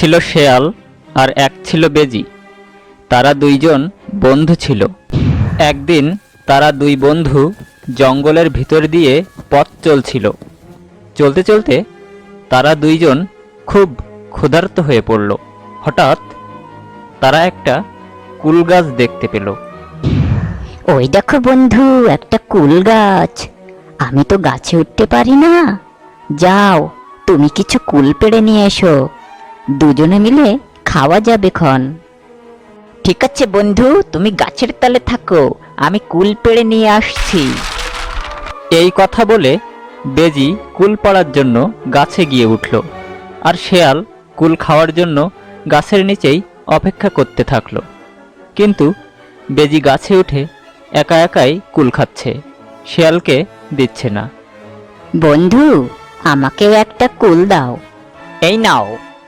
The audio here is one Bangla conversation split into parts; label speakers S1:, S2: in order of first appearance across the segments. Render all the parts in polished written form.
S1: ছিল শেয়াল আর এক ছিল বেজি। তারা দুইজন বন্ধু ছিল। একদিন তারা দুই বন্ধু জঙ্গলের ভিতর দিয়ে পথ চলছিল। চলতে চলতে তারা দুইজন খুব ক্ষুধার্ত হয়ে পড়ল। হঠাৎ তারা একটা কুল গাছ দেখতে পেল।
S2: ওই দেখো বন্ধু, একটা কুল গাছ। আমি তো গাছে উঠতে পারি না। যাও, তুমি কিছু কুল পেড়ে নিয়ে এসো, দুজনে মিলে খাওয়া যাবে ক্ষণ। ঠিক আছে বন্ধু, তুমি গাছের তলে থাকো, আমি কুল পেড়ে নিয়ে আসছি।
S1: এই কথা বলে বেজি কুল পাড়ার জন্য গাছে গিয়ে উঠল, আর শেয়াল কুল খাওয়ার জন্য গাছের নিচেই অপেক্ষা করতে থাকলো। কিন্তু বেজি গাছে উঠে একা একাই কুল খাচ্ছে, শেয়ালকে দিচ্ছে না।
S2: বন্ধু, আমাকেও একটা কুল দাও।
S1: এই নাও।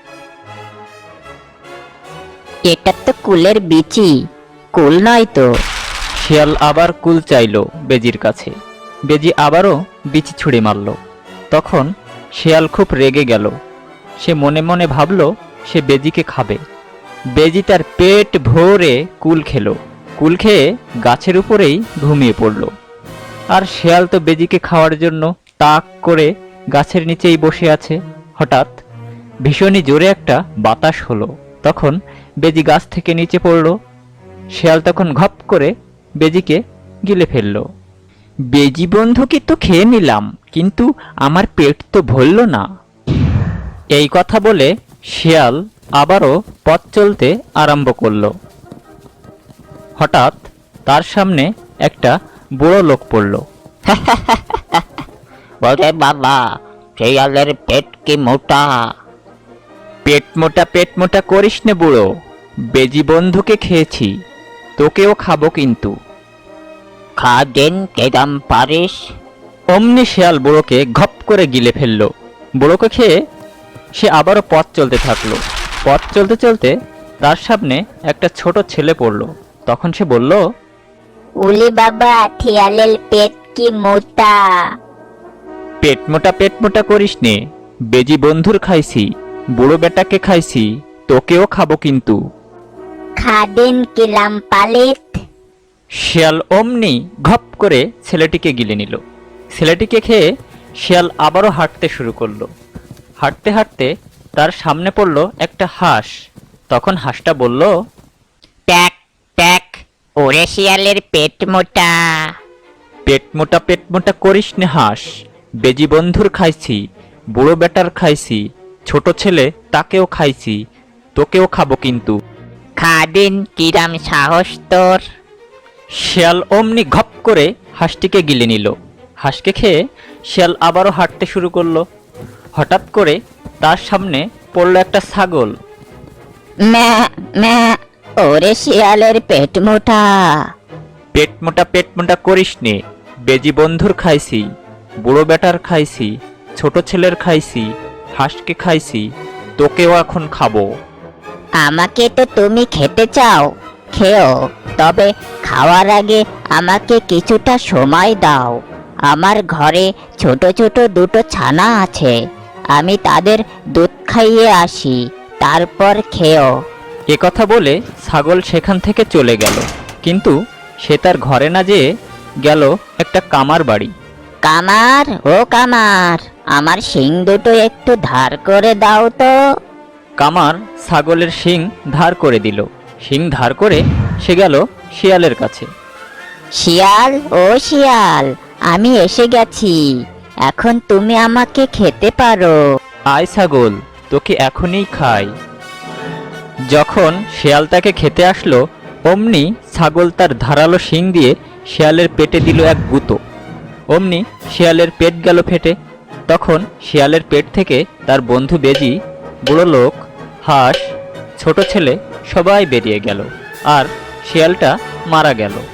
S2: এটা তো কুলের বিচি, কুল নয় তো।
S1: শিয়াল আবার কুল চাইল বেজির কাছে। বেজি আবারও বিচি ছুঁড়ে মারল। তখন শিয়াল খুব রেগে গেল। সে মনে মনে ভাবল সে বেজিকে খাবে। বেজি তার পেট ভরে কুল খেলো। কুল খেয়ে গাছের উপরেই ঘুমিয়ে পড়ল। আর শিয়াল তো বেজিকে খাওয়ার জন্য তাক করে গাছের নিচেই বসে আছে। হঠাৎ ভীষণই জোরে একটা বাতাস হলো। তখন বেজি গাছ থেকে নিচে পড়ল। শিয়াল তখন ঘপ করে বেজিকে গিলে ফেলল। বেজি বন্ধুকে তো খেয়ে নিলাম, কিন্তু আমার পেট তো ভরল না। এই কথা বলে শিয়াল আবারও পথ চলতে আরম্ভ করল। হঠাৎ তার সামনে একটা বুড়ো লোক পড়ল।
S2: বলে বাবা, শিয়ালের পেট কি মোটা।
S1: পেট মোটা করিস নে বুড়ো, বেজি বন্ধুকে খেয়েছি, তোকেও খাবো কিন্তু।
S2: খা দেন, কেদাম পারিস।
S1: অমনি শিয়াল বুড়োকে ঘপ করে গিলে ফেলল। বুড়োকে খেয়ে সে আবারও পথ চলতে থাকলো। পথ চলতে চলতে তার সামনে একটা ছোট ছেলে পড়ল। তখন সে বলল,
S2: উলি বাবা, শিয়ালের পেট কি মোটা।
S1: পেট মোটা করিস নে, বেজি বন্ধুর খাইছি, বুড়ো বেটাকে খাইছি, তোকেও খাবো কিন্তু।
S2: খা দেন, কিলাম পালিত।
S1: শিয়াল অমনি ঘপ করে ছেলেটিকে গিলে নিল। ছেলেটিকে খেয়ে শিয়াল আবারও হাঁটতে শুরু করলো। হাঁটতে হাঁটতে তার সামনে পড়ল একটা হাঁস। তখন হাঁসটা বলল,
S2: ট্যাক ট্যাক, ওরে শিয়ালের পেট মোটা।
S1: পেট মোটা করিস নে হাঁস, বেজি বন্ধুর খাইছি, বুড়ো বেটার খাইছি, ছোট ছেলে তাকেও খাইছি, তোকেও খাবো কিন্তু।
S2: খা দিন, কিরাম সাহস তোর।
S1: শিয়াল অমনি ঘপ করে হাঁসটিকে গিলে নিল। হাঁসকে খেয়ে শিয়াল আবারও হাঁটতে শুরু করলো। হঠাৎ করে তার সামনে পড়ল একটা ছাগল।
S2: ম্যা ম্যা, ওরে শিয়ালের পেট মোটা।
S1: পেট মোটা করিস নে, বেজি বন্ধুর খাইছি, বুড়ো বেটার খাইছি, ছোট ছেলের খাইছি, হাঁসকে খাইছি, তোকেও এখন খাবো।
S2: আমাকে তো তুমি খেতে চাও, খেও, তবে খাওয়ার আগে আমাকে কিছুটা সময় দাও। আমার ঘরে ছোট ছোট দুটো ছানা আছে, আমি তাদের দুধ খাইয়ে আসি, তারপর খেও।
S1: এ কথা বলে ছাগল সেখান থেকে চলে গেল। কিন্তু সে তার ঘরে না যেয়ে গেল একটা কামার বাড়ি।
S2: কামার, ও কামার, আমার শিং দুটো একটু ধার করে দাও তো।
S1: কামার ছাগলের শিং ধার করে দিল। শিং ধার করে সে গেল শিয়ালের কাছে।
S2: শিয়াল, ও শিয়াল, আমি এসে গেছি, এখন তুমি আমাকে খেতে পারো।
S1: আয় ছাগল, তোকে এখনই খাই। যখন শিয়াল তাকে খেতে আসলো, অমনি ছাগল তার ধারালো শিং দিয়ে শিয়ালের পেটে দিল এক গুঁতো। অমনি শিয়ালের পেট গেল ফেটে। তখন শিয়ালের পেট থেকে তার বন্ধু বেজি, বুড়ো লোক, হাঁস, ছোট ছেলে সবাই বেরিয়ে গেল, আর শিয়ালটা মারা গেল।